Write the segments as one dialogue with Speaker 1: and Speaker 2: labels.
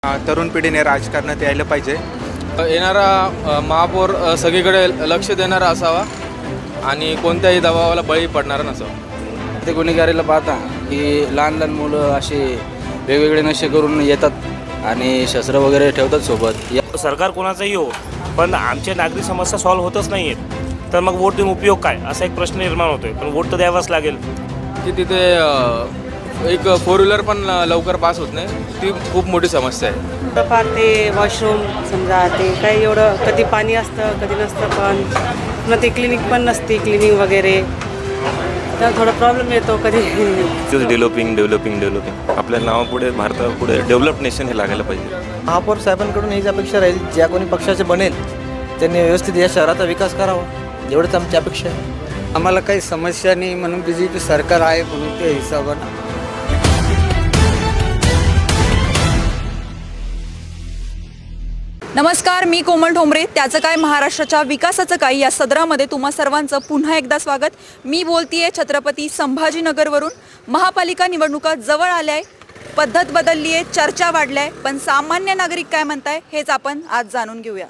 Speaker 1: तरुण पिढीने राजकारणात यायला पाहिजे.
Speaker 2: येणारा महापौर सगळीकडे लक्ष देणारा असावा आणि कोणत्याही दबावाला बळी पडणारा नसावा.
Speaker 3: ते गुन्हेगारीला पाहता की लहान लहान मुलं असे वेगवेगळे नशे करून येतात आणि शस्त्र वगैरे ठेवतात सोबत.
Speaker 4: सरकार कोणाचंही हो, पण आमच्या नागरिक समस्या सॉल्व्ह होतच नाही आहेत, तर मग वोट देऊन उपयोग काय असा एक प्रश्न निर्माण होतोय. पण वोट तर द्यावाच लागेल.
Speaker 2: की तिथे एक फोर व्हीलर पण लवकर पास होत नाही, ती खूप मोठी समस्या आहे.
Speaker 5: फार ते वॉशरूम समजा ते काही एवढं कधी पाणी असतं कधी नसतं, पण पुन्हा ते क्लिनिक पण नसते क्लिनिंग वगैरे, तर थोडा प्रॉब्लेम येतो कधी.
Speaker 6: डेव्हलपिंग आपल्या नावापुढे भारतापुढे डेव्हलप नेशन हे लागायला पाहिजे.
Speaker 7: महापौर साहेबांकडून हीच अपेक्षा राहील, ज्या कोणी पक्षाचे बनेल त्यांनी व्यवस्थित या शहराचा विकास करावा, एवढंच आमची अपेक्षा आहे.
Speaker 3: आम्हाला काही समस्या नाही म्हणून BJP सरकार आहे म्हणून त्या हिशोबानं.
Speaker 8: नमस्कार, मी कोमल ठोंबरे. त्याचं काय महाराष्ट्राच्या विकासाचं काय या सदरामध्ये तुम्हा सर्वांचं पुन्हा एकदा स्वागत. मी बोलतीये छत्रपती संभाजीनगरवरून. महापालिका निवडणुका जवळ आल्या आहे, पद्धत बदलली आहे, चर्चा वाढल्या आहे, पण सामान्य नागरिक काय म्हणताय हेच आपण आज जाणून घेऊया.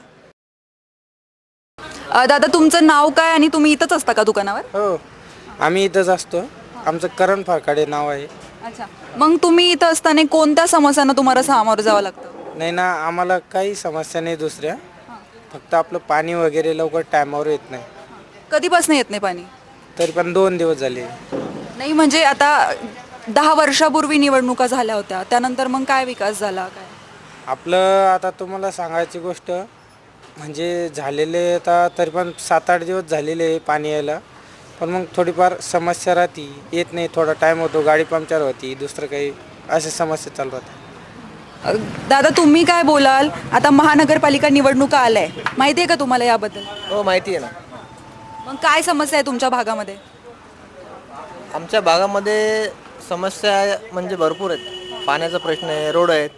Speaker 8: दादा, तुमचं नाव काय आणि तुम्ही इथंच असता का दुकानावर?
Speaker 3: हो, आम्ही इथंच असतो. आमचं करण फाकाडे नाव आहे.
Speaker 8: अच्छा, मग तुम्ही इथं असताना कोणत्या समस्यांना तुम्हाला सामोरं जावं लागतं?
Speaker 3: नाही ना, आम्हाला काही समस्या नाही दुसऱ्या, फक्त आपलं पाणी वगैरे लवकर टायमावर येत नाही.
Speaker 8: कधीपासून येत नाही पाणी?
Speaker 3: तरी पण 2 दिवस झाले.
Speaker 8: नाही म्हणजे आता 10 वर्षापूर्वी निवडणुका झाल्या होत्या, त्यानंतर मग काय विकास झाला काय?
Speaker 3: आपलं आता तुम्हाला सांगायची गोष्ट म्हणजे झालेले आता तरी पण 7-8 दिवस झालेले आहे पाणी यायला, पण मग थोडीफार समस्या राहते, येत नाही, थोडा टाईम होतो, गाडी पंक्चर होती, दुसरं काही अशा समस्या चालू राहतात.
Speaker 8: दादा, तुम्ही काय बोलाल? आता महानगरपालिका निवडणुका आल्या आहे, माहिती आहे का तुम्हाला याबद्दल?
Speaker 7: हो, माहिती आहे ना.
Speaker 8: मग काय समस्या आहे तुमच्या भागामध्ये?
Speaker 7: आमच्या भागामध्ये समस्या म्हणजे भरपूर आहेत. पाण्याचा प्रश्न आहे, रोड आहेत,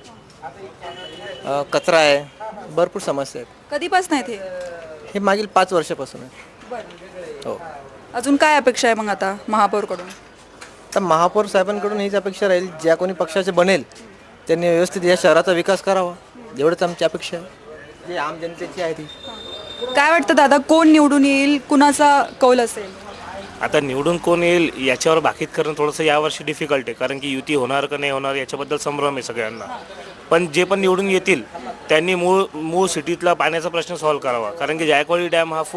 Speaker 7: कचरा आहे, भरपूर समस्या आहेत.
Speaker 8: कधीपासून आहेत
Speaker 7: हे मागील 5 वर्षापासून आहे. हो.
Speaker 8: अजून काय अपेक्षा आहे मग आता महापौरकडून?
Speaker 7: तर महापौर साहेबांकडून हीच अपेक्षा राहील, ज्या कोणी पक्षाचे बनेल त्यांनी व्यवस्थित या शहराचा विकास करावा, एवढंच आमची अपेक्षा आहे, जी आम जनतेची आहे ती.
Speaker 8: काय वाटतं दादा, कोण निवडून येईल, कुणाचा कौल असेल?
Speaker 4: आता निवडून कोण येईल याच्यावर भाकीत करणं थोडंसं यावर्षी डिफिकल्ट आहे, कारण की युती होणार का नाही होणार याच्याबद्दल संभ्रम आहे सगळ्यांना. पण जे पण निवडून येतील त्यांनी मूळ सिटीतला पाण्याचा प्रश्न सॉल्व्ह करावा, कारण की जायकवाडी डॅम हा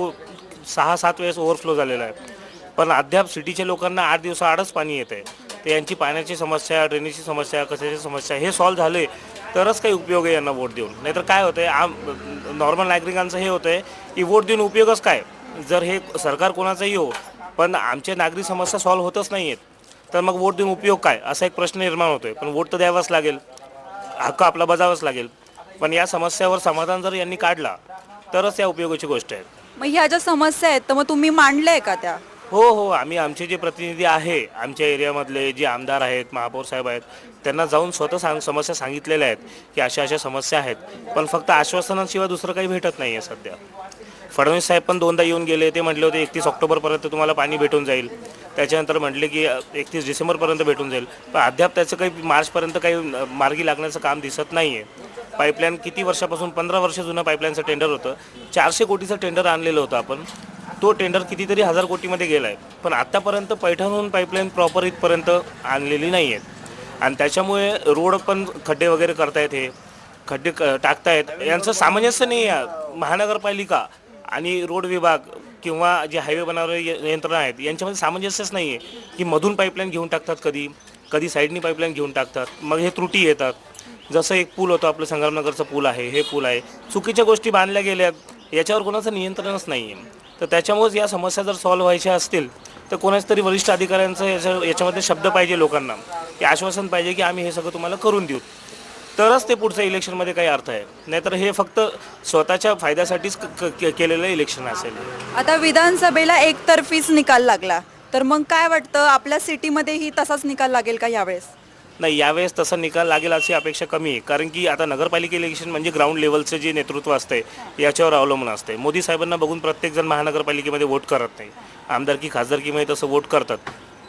Speaker 4: 6-7 वेळेस ओव्हरफ्लो झालेला आहे, पण अद्याप सिटीच्या लोकांना 8 दिवसाआडच पाणी येत आहे. तर यांची पाण्याची समस्या, ड्रेनेजची समस्या, कचऱ्याची समस्या हे सॉल्व्ह झाले तरच काही उपयोग आहे यांना वोट देऊन. नाहीतर काय होतं आहे, नॉर्मल नागरिकांचं हे होतं आहे की वोट देऊन उपयोगच काय, जर हे सरकार कोणाचंही हो, पण आमच्या नागरिक समस्या सॉल्व्ह होतच नाही आहेत, तर मग वोट देऊन उपयोग काय असा एक प्रश्न निर्माण होतो आहे. पण वोट तर द्यावाच लागेल, हक्क आपला बजावाच लागेल, पण या समस्यावर समाधान जर यांनी काढला तरच या उपयोगाची गोष्ट आहे.
Speaker 8: मग ह्या ज्या समस्या आहेत तर मग तुम्ही मांडल्या का त्या?
Speaker 4: हो, आम्ही आमचे जे प्रतिनिधी आहे आमच्या एरियामधले जे आमदार आहेत, महापौर साहेब आहेत, त्यांना जाऊन स्वतः समस्या सांगितलेल्या आहेत की अशा समस्या आहेत, पण फक्त आश्वासनाशिवाय दुसरं काही भेटत नाही आहे सध्या. फडणवीस साहेब पण 2दा येऊन गेले, ते म्हटले होते 31 ऑक्टोबरपर्यंत तुम्हाला पाणी भेटून जाईल, त्याच्यानंतर म्हटले की 31 डिसेंबरपर्यंत भेटून जाईल, पण अद्याप त्याचं काही मार्चपर्यंत काही मार्गी लागण्याचं काम दिसत नाही आहे. पाईपलाईन किती वर्षापासून 15 वर्ष जुनं पाईपलाईनचं टेंडर होतं, 400 कोटीचं टेंडर आणलेलं होतं आपण, तो टेंडर कितीतरी 1000 कोटीमध्ये गेला आहे, पण आत्तापर्यंत पैठणहून पाईपलाईन प्रॉपर इथपर्यंत आणलेली नाही आहेत. आणि त्याच्यामुळे रोड पण खड्डे वगैरे करतायत, हे खड्डे टाकतायत, यांचं सामंजस्य नाही आहे. महानगरपालिका आणि रोड विभाग किंवा जे हायवे बनवणारे यंत्रणा आहेत यांच्यामध्ये सामंजस्यच नाही आहे की मधून पाईपलाईन घेऊन टाकतात, कधी साईडनी पाईपलाईन घेऊन टाकतात, मग हे त्रुटी येतात. जसं एक पूल होतं आपलं संग्रामनगरचं पूल आहे, हे पूल आहे, चुकीच्या गोष्टी बांधल्या गेल्यात, याच्यावर कोणाचं नियंत्रणच नाही आहे. तर त्याच्यामुळेच या समस्या जर सॉल्व्ह व्हायच्या असतील तर कोणाच तरी वरिष्ठ अधिकाऱ्यांचं याच्यामध्ये शब्द पाहिजे, लोकांना की आश्वासन पाहिजे की आम्ही हे सगळं तुम्हाला करून देऊ, तरच ते पुढच्या इलेक्शनमध्ये काही अर्थ आहे. नाहीतर हे फक्त स्वतःच्या फायद्यासाठीच केलेलं इलेक्शन असेल.
Speaker 8: आता विधानसभेला एकतर्फीच निकाल लागला, तर मग काय वाटतं आपल्या सिटीमध्येही तसाच निकाल लागेल का यावेळेस?
Speaker 4: नाही, यावेळेस तसा निकाल लागेल अशी अपेक्षा कमी आहे, कारण की आता नगरपालिका इलेक्शन म्हणजे ग्राउंड लेवलचं जे नेतृत्व असते याच्यावर अवलंबून असते. मोदी साहेबांना बघून प्रत्येकजण महानगरपालिकेमध्ये वोट करत नाही, आमदारकी खासदारकीमध्ये तसं वोट करतात,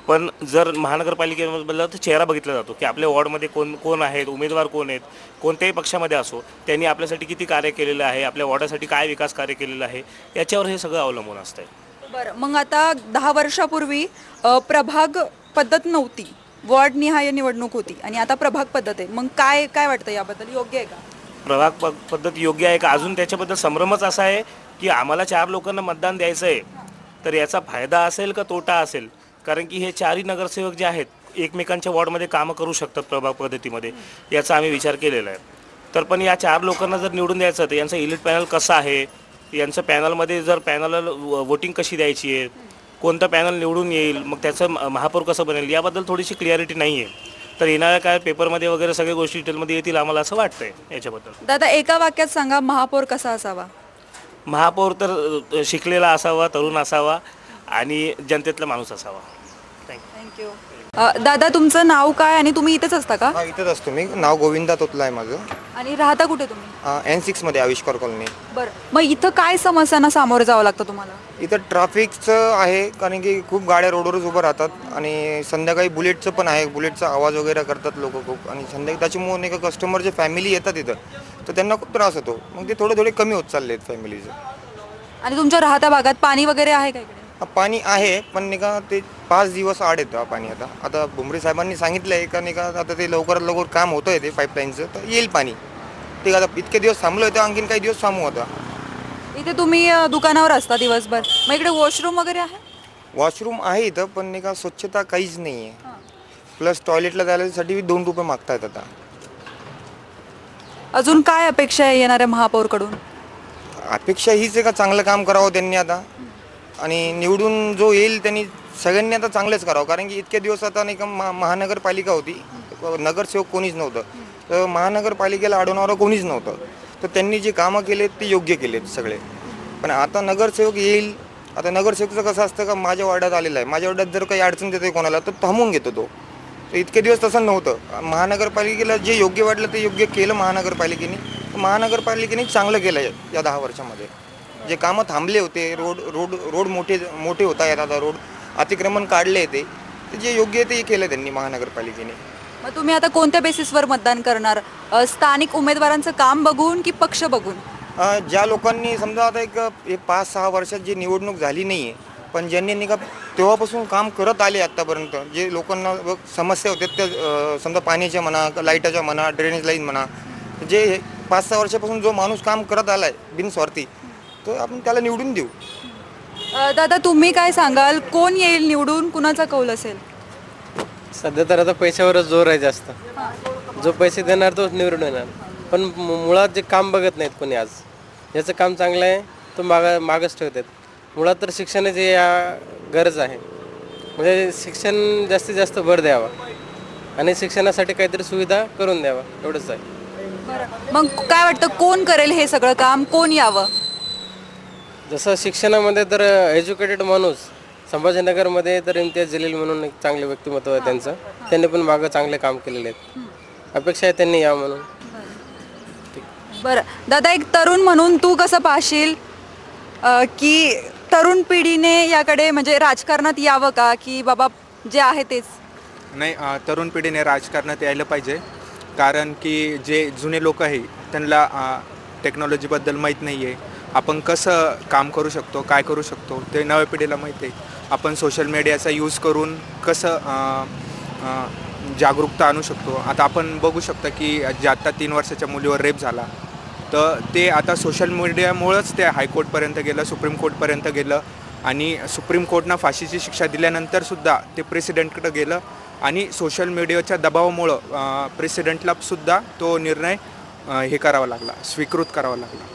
Speaker 4: पण जर महानगरपालिकेबद्दल तर चेहरा बघितला जातो की आपल्या वॉर्डमध्ये कोण आहेत, उमेदवार कोण आहेत, कोणत्याही पक्षामध्ये असो त्यांनी आपल्यासाठी किती कार्य केलेलं आहे, आपल्या वॉर्डासाठी काय विकास कार्य केलेलं आहे, याच्यावर हे सगळं अवलंबून असतं.
Speaker 8: बरं, मग आता 10 वर्षापूर्वी प्रभाग पद्धत नव्हती, वॉर्डनिहाय निवडणूक होती आणि आता प्रभाग पद्धत आहे. मग काय काय वाटतं याबद्दल, योग्य आहे का?
Speaker 4: प्रभाग पद्धत योग्य आहे का? अजून त्याच्याबद्दल संभ्रमच असा आहे की आम्हाला 4 लोकांना मतदान द्यायचं आहे, तर याचा फायदा असेल का तोटा असेल? कारण की हे 4ही नगरसेवक जे आहेत एकमेकांच्या वॉर्डमध्ये कामं करू शकतात प्रभाग पद्धतीमध्ये, याचा आम्ही विचार केलेला आहे. तर पण या 4 लोकांना जर निवडून द्यायचं तर यांचं इलेक्ट पॅनल कसं आहे, यांचं पॅनलमध्ये जर पॅनलला वोटिंग कशी द्यायची आहे, कोणतं पॅनल निवडून येईल, मग त्याचं महापौर कसं बनेल, याबद्दल थोडीशी क्लिअरिटी नाही आहे. तर येणाऱ्या काय पेपरमध्ये वगैरे सगळ्या गोष्टी डिटेलमध्ये येतील आम्हाला असं वाटतंय याच्याबद्दल.
Speaker 8: दादा, एका वाक्यात सांगा, महापौर कसा असावा?
Speaker 4: महापौर तर शिकलेला असावा, तरुण असावा आणि जनतेतला माणूस असावा.
Speaker 8: थँक्यू. दादा, तुमचं नाव काय आणि तुम्ही इथेच असता का?
Speaker 9: हा, इथंच असतो मी. नाव गोविंदा तोतला आहे माझं.
Speaker 8: आणि राहता कुठे तुम्ही?
Speaker 9: N6 मध्ये आविष्कार कॉलनी.
Speaker 8: बरं, मग इथं काय समस्यांना सामोरं जावं लागतं तुम्हाला?
Speaker 9: इथं ट्रॅफिकचं आहे, कारण की खूप गाड्या रोडवरच उभं राहतात आणि संध्याकाळी बुलेटचं पण आहे. बुलेटचा आवाज वगैरे करतात लोक खूप, आणि संध्याकाळी त्याच्यामुळे नाही का कस्टमरचे फॅमिली येतात इथं, तर त्यांना खूप त्रास होतो. मग ते थोडे कमी होत चालले आहेत फॅमिलीचं.
Speaker 8: आणि तुमच्या राहत्या भागात पाणी वगैरे आहे का इकडे?
Speaker 9: पाणी आहे, पण नाही का ते 5 दिवस आड येतं पाणी. आता भुमरे साहेबांनी सांगितलं आहे का नाही का, आता ते लवकरात लवकर काम होतं आहे ते पाईपलाईनचं, तर येईल पाणी. ठीक आहे, आता इतके दिवस थांबलो होतं, आणखीन काही दिवस थांबू होता.
Speaker 8: इथे तुम्ही दुकानावर असता दिवसभर, मग इकडे वॉशरूम वगैरे आहे?
Speaker 9: वॉशरूम आहे इथं, पण नाही का स्वच्छता काहीच नाही आहे. प्लस टॉयलेटला जायसाठी 2 रुपये मागतायत आता.
Speaker 8: अजून काय अपेक्षा आहे येणाऱ्या महापौरकडून?
Speaker 9: अपेक्षा हीच आहे का चांगलं काम करावं त्यांनी आता, आणि निवडून जो येईल त्यांनी सगळ्यांनी आता चांगलंच करावं. कारण की इतके दिवस आता नाही का महानगरपालिका होती, नगरसेवक कोणीच नव्हतं, तर महानगरपालिकेला अडवणारं कोणीच नव्हतं. तर त्यांनी जे कामं केलेत ते योग्य केलेत सगळे. पण आता नगरसेवक येईल. आता नगरसेवकचं कसं असतं का, माझ्या वार्डात आलेला आहे, माझ्या वार्डात जर काही अडचण देते कोणाला तर थांबवून घेतो तो. तर इतके दिवस तसं नव्हतं. महानगरपालिकेला जे योग्य वाटलं ते योग्य केलं महानगरपालिकेने. महानगरपालिकेने चांगलं केलं आहे या 10 वर्षामध्ये. जे कामं थांबले होते, रोड मोठे होता येत, आता रोड अतिक्रमण काढले ते जे योग्य आहे ते केलं त्यांनी महानगरपालिकेने.
Speaker 8: मग तुम्ही आता कोणत्या बेसिसवर मतदान करणार? स्थानिक उमेदवारांचं काम बघून की पक्ष बघून?
Speaker 9: ज्या लोकांनी समजा आता एक 5-6 वर्षात जी निवडणूक झाली नाही आहे, पण ज्यांनी नाही का तेव्हापासून काम करत आले आत्तापर्यंत, जे लोकांना समस्या होत्या त्या, समजा पाण्याच्या म्हणा, लाईटाच्या म्हणा, ड्रेनेज लाईन म्हणा, जे 5-6 वर्षापासून जो माणूस काम करत आला आहे बिनस्वार्थी, तर आपण त्याला निवडून देऊ.
Speaker 8: दादा, तुम्ही काय सांगाल, कोण येईल निवडून, कुणाचा कौल असेल?
Speaker 10: सध्या तर आता पैशावरच जोर आहे जास्त. जो पैसे देणार तोच निवडून येणार, पण मुळात जे काम बघत नाहीत कोणी. आज ज्याचं काम चांगलं आहे तो मागच ठेवतात. मुळात तर शिक्षणाची गरज आहे, म्हणजे शिक्षण जास्तीत जास्त भर द्यावा आणि शिक्षणासाठी काहीतरी सुविधा करून द्यावा, एवढंच आहे.
Speaker 8: मग काय वाटतं, कोण करेल हे सगळं काम, कोण यावं?
Speaker 10: जसं शिक्षणामध्ये तर एज्युकेटेड माणूस, संभाजीनगरमध्ये तर इम्तियाज जलील म्हणून एक चांगले व्यक्तिमत्व आहे त्यांचं. त्यांनी पण मागं चांगले काम केलेले आहेत. अपेक्षा आहे त्यांनी यावं म्हणून.
Speaker 8: बरं दादा, एक तरुण म्हणून तू कसं पाहशील की तरुण पिढीने याकडे म्हणजे राजकारणात यावं का, की बाबा जे आहे तेच?
Speaker 1: नाही, तरुण पिढीने राजकारणात यायला पाहिजे. कारण की जे जुने लोक आहे त्यांना टेक्नॉलॉजीबद्दल माहीत नाही आहे. आपण कसं काम करू शकतो, काय करू शकतो ते नव्या पिढीला माहीत आहे. आपण सोशल मीडियाचा यूज करून कसं जागरूकता आणू शकतो. आता आपण बघू शकता की जे आत्ता 3 वर्षाच्या मुलीवर रेप झाला, तर ते आता सोशल मीडियामुळंच ते हायकोर्टपर्यंत गेलं, सुप्रीम कोर्टपर्यंत गेलं, आणि सुप्रीम कोर्टनं फाशीची शिक्षा दिल्यानंतरसुद्धा ते प्रेसिडेंटकडे गेलं, आणि सोशल मीडियाच्या दबावामुळं प्रेसिडेंटलासुद्धा तो निर्णय हे करावा लागला, स्वीकृत करावा लागला.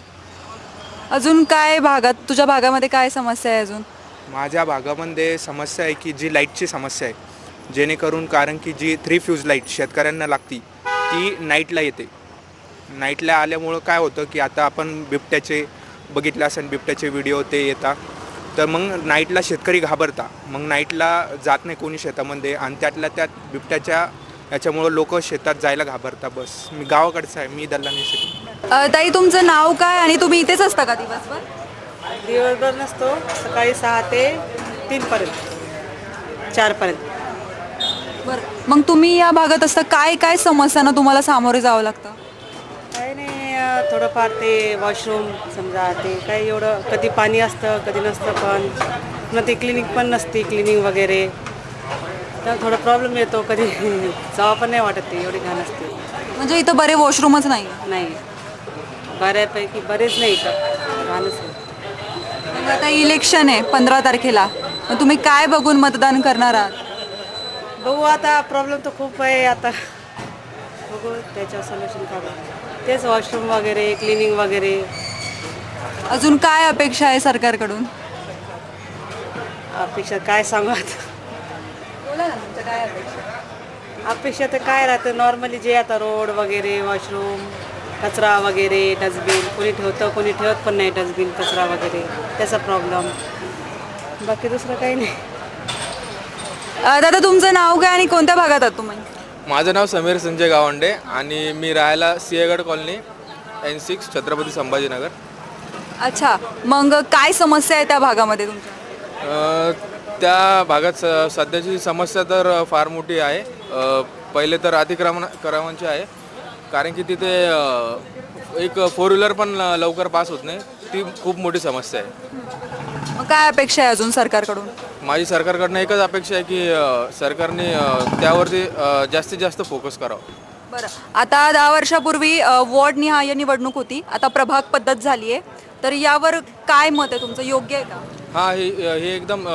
Speaker 8: अजून काय भागात, तुझ्या भागामध्ये काय समस्या आहे अजून?
Speaker 1: माझ्या भागामध्ये समस्या आहे की जी लाईटची समस्या आहे, जेणेकरून कारण की जी 3 फ्यूज लाईट शेतकऱ्यांना लागती ती नाईटला येते. नाईटला आल्यामुळं काय होतं की आता आपण बिबट्याचे बघितले असेल, बिबट्याचे व्हिडिओ ते येतात, तर मग नाईटला शेतकरी घाबरता, मग नाईटला जात नाही कोणी शेतामध्ये, आणि त्यातल्या त्यात बिबट्याच्या याच्यामुळं लोक शेतात जायला घाबरतात. बस, मी गावाकडचं आहे, मी दल्ला नाही शिकलो.
Speaker 8: ताई, तुमचं नाव काय आणि तुम्ही इथेच असता का दिवसभर?
Speaker 5: दिवसभर नसतो, सकाळी 6 ते 3 पर्यंत. 4पर्यंत.
Speaker 8: बरं, मग तुम्ही या भागात असता काय काय समस्यांना तुम्हाला सामोरे जावं लागतं?
Speaker 5: काही नाही थोडंफार ते वॉशरूम समजा ते काही एवढं कधी पाणी असतं कधी नसतं, पण पुन्हा ते क्लिनिक पण नसते क्लिनिंग वगैरे, तर थोडा प्रॉब्लेम येतो. कधी जावं पण नाही वाटत, ते एवढी घाण असते.
Speaker 8: म्हणजे इथं बरे वॉशरूमच नाही.
Speaker 5: नाही बऱ्यापैकी बरेच नाही तर घाणच आहे.
Speaker 8: मग आता इलेक्शन आहे 15 तारखेला, मग तुम्ही काय बघून मतदान करणार आहात?
Speaker 5: बघू आता, प्रॉब्लेम तर खूप आहे आता, बघू त्याच्यावर सोल्युशन काढू. तेच वॉशरूम वगैरे क्लिनिंग वगैरे.
Speaker 8: अजून काय अपेक्षा आहे सरकारकडून?
Speaker 5: अपेक्षा काय सांगू आता,
Speaker 8: बोला ना, तुमचं काय अपेक्षा?
Speaker 5: अपेक्षा तर काय राहतं नॉर्मली, जे आता रोड वगैरे वॉशरूम कचरा वगैरे डस्टबिन कोणी ठेवतं कोणी ठेवत पण नाही, डस्टबिन कचरा वगैरे त्याचा प्रॉब्लेम, बाकी दुसरं काही नाही.
Speaker 8: दादा तुमचं नाव काय आणि कोणत्या भागात आहात तुम्ही?
Speaker 2: माझं नाव समीर संजय गावंडे आणि मी राहायला सिंहगड कॉलनी N6 छत्रपती संभाजीनगर.
Speaker 8: अच्छा, मग काय समस्या आहे त्या भागामध्ये तुमच्या?
Speaker 2: त्या भागात सध्याची समस्या तर फार मोठी आहे. पहिले तर अतिक्रमणाची आहे, कारण की तिथे एक 4 व्हीलर पण लवकर पास होत नाही, ती खूप मोठी समस्या आहे.
Speaker 8: मग काय अपेक्षा आहे अजून सरकारकडून?
Speaker 2: माझी सरकारकडनं एकच अपेक्षा आहे की सरकारने त्यावरती जास्तीत जास्त फोकस करावं.
Speaker 8: बरं, आता 10 वर्षापूर्वी वॉर्डनिहाय निवडणूक होती, आता प्रभाग पद्धत झाली आहे, तर यावर काय मत आहे तुमचं? योग्य आहे का?
Speaker 2: हां, हे एकदम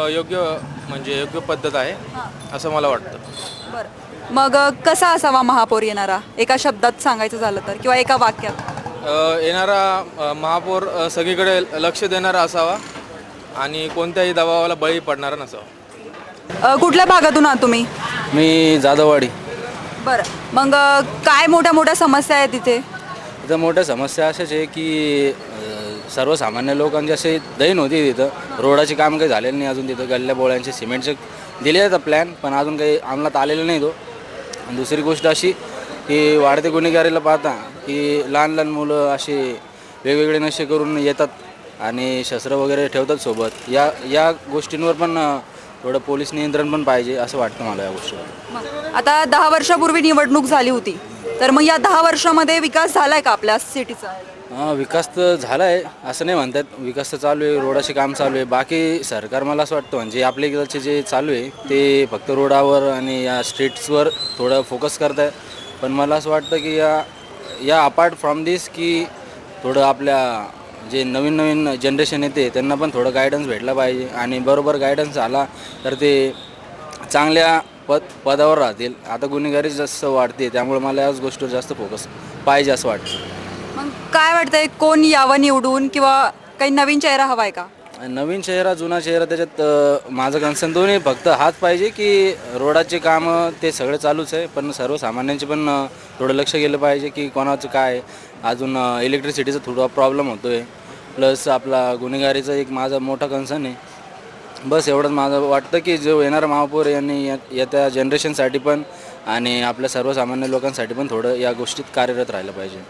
Speaker 2: योग्य पद्धत आहे असं मला वाटतं.
Speaker 8: बरं, मग कसा असावा महापौर येणारा, एका शब्दात सांगायचं झालं तर, किंवा एका वाक्यात?
Speaker 2: येणारा महापौर सगळीकडे लक्ष देणारा असावा आणि कोणत्याही दबावाला बळी पडणारा नसावा.
Speaker 8: कुठल्या भागातून आहात तुम्ही?
Speaker 10: मी जाधववाडी.
Speaker 8: बरं, मग काय मोठ्या मोठ्या समस्या आहेत तिथे?
Speaker 10: इथं मोठ्या समस्या अशाच आहे की सर्वसामान्य लोकांची असे दैन होती तिथं. रोडाचे काम काही झालेलं नाही अजून तिथं. गल्ल्या बोळ्यांचे सिमेंटचे दिले आहेत प्लॅन, पण अजून काही अंमलात आलेलं नाही तो. आणि दुसरी गोष्ट अशी की वाढते गुन्हेगारीला पाहता की लहान लहान मुलं असे वेगवेगळे नशे करून येतात आणि शस्त्र वगैरे ठेवतात सोबत. या गोष्टींवर पण थोडं पोलीस नियंत्रण पण पाहिजे असं वाटतं मला या गोष्टीवर.
Speaker 8: मग आता 10 वर्षापूर्वी निवडणूक झाली होती, तर मग या 10 वर्षामध्ये विकास झालाय का आपल्या सिटीचा?
Speaker 10: विकास तर झाला आहे असं नाही म्हणतात. विकास तर चालू आहे, रोडाचे काम चालू आहे. बाकी सरकार मला असं वाटतं म्हणजे आपल्या इकडचे जे चालू आहे ते फक्त रोडावर आणि या स्ट्रीट्सवर थोडं फोकस करत आहे. पण मला असं वाटतं की या अपार्ट फ्रॉम दिस की थोडं आपल्या जे नवीन नवीन जनरेशन येते त्यांना पण थोडं गायडन्स भेटला पाहिजे. आणि बरोबर गायडन्स आला तर ते चांगल्या पदावर राहतील. आता गुन्हेगारी जास्त वाढते, त्यामुळे मला याच गोष्टीवर जास्त फोकस पाहिजे असं वाटतं.
Speaker 8: मग काय वाटतंय, कोण यावं निवडून, किंवा काही नवीन चेहरा हवा आहे का?
Speaker 10: नवीन चेहरा जुना चेहरा त्याच्यात माझं कन्सर्न दोन्ही. फक्त हाच पाहिजे की रोडाचे कामं ते सगळे चालूच आहे, पण सर्वसामान्यांचे पण थोडं लक्ष गेलं पाहिजे की कोणाचं काय. अजून इलेक्ट्रिसिटीचा थोडा प्रॉब्लेम होतो आहे, प्लस आपला गुन्हेगारीचा एक माझा मोठा कन्सर्न आहे. बस एवढंच माझं वाटतं की जो येणारा महापौर यांनी येत्या जनरेशनसाठी पण आणि आपल्या सर्वसामान्य लोकांसाठी पण थोडं या गोष्टीत कार्यरत राहिलं पाहिजे.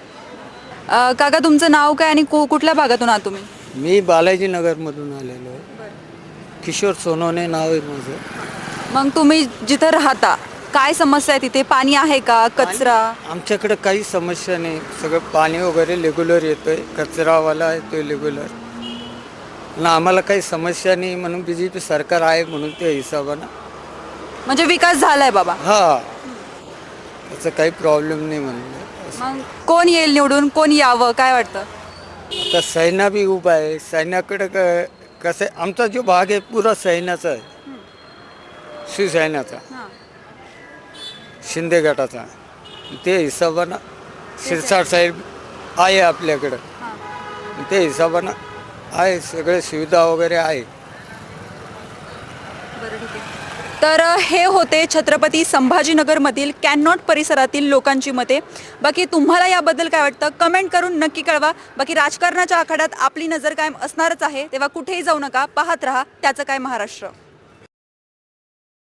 Speaker 8: काका तुमचं नाव काय आणि कुठल्या भागातून आहात तुम्ही?
Speaker 3: मी बालाजीनगरमधून आलेलो आहे. किशोर सोनवणे नाव आहे माझं.
Speaker 8: मग तुम्ही जिथं राहता काय समस्या आहे तिथे? पाणी आहे का? कचरा?
Speaker 3: आमच्याकडे काही समस्या नाही, सगळं पाणी वगैरे रेग्युलर येतोय, कचरावाला येतोय रेग्युलर. आणि आम्हाला काही समस्या नाही, म्हणून BJP सरकार आहे म्हणून त्या हिशोबानं.
Speaker 8: म्हणजे विकास झालाय बाबा?
Speaker 3: हां, त्याचा काही प्रॉब्लेम नाही म्हणून.
Speaker 8: मग कोण येईल निवडून, कोण यावं काय वाटतं?
Speaker 3: आता सैना बी उभा आहे. सैन्याकडे कसं आहे, आमचा जो भाग आहे पुरा सैन्याचा आहे, शिवसैन्याचा, शिंदे गटाचा. ते हिशोबानं शिरसाट साहेब आहे आपल्याकडं, ते हिशोबानं आहे, सगळे सुविधा वगैरे आहे.
Speaker 8: तर हे होते छत्रपती संभाजीनगरमधील कॅनॉट परिसरातील लोकांची मते. बाकी तुम्हाला याबद्दल काय वाटतं कमेंट करून नक्की कळवा. बाकी राजकारणाच्या आखाड्यात आपली नजर कायम असणारच आहे, तेव्हा कुठेही जाऊ नका, पाहत रहा त्याचं काय महाराष्ट्र.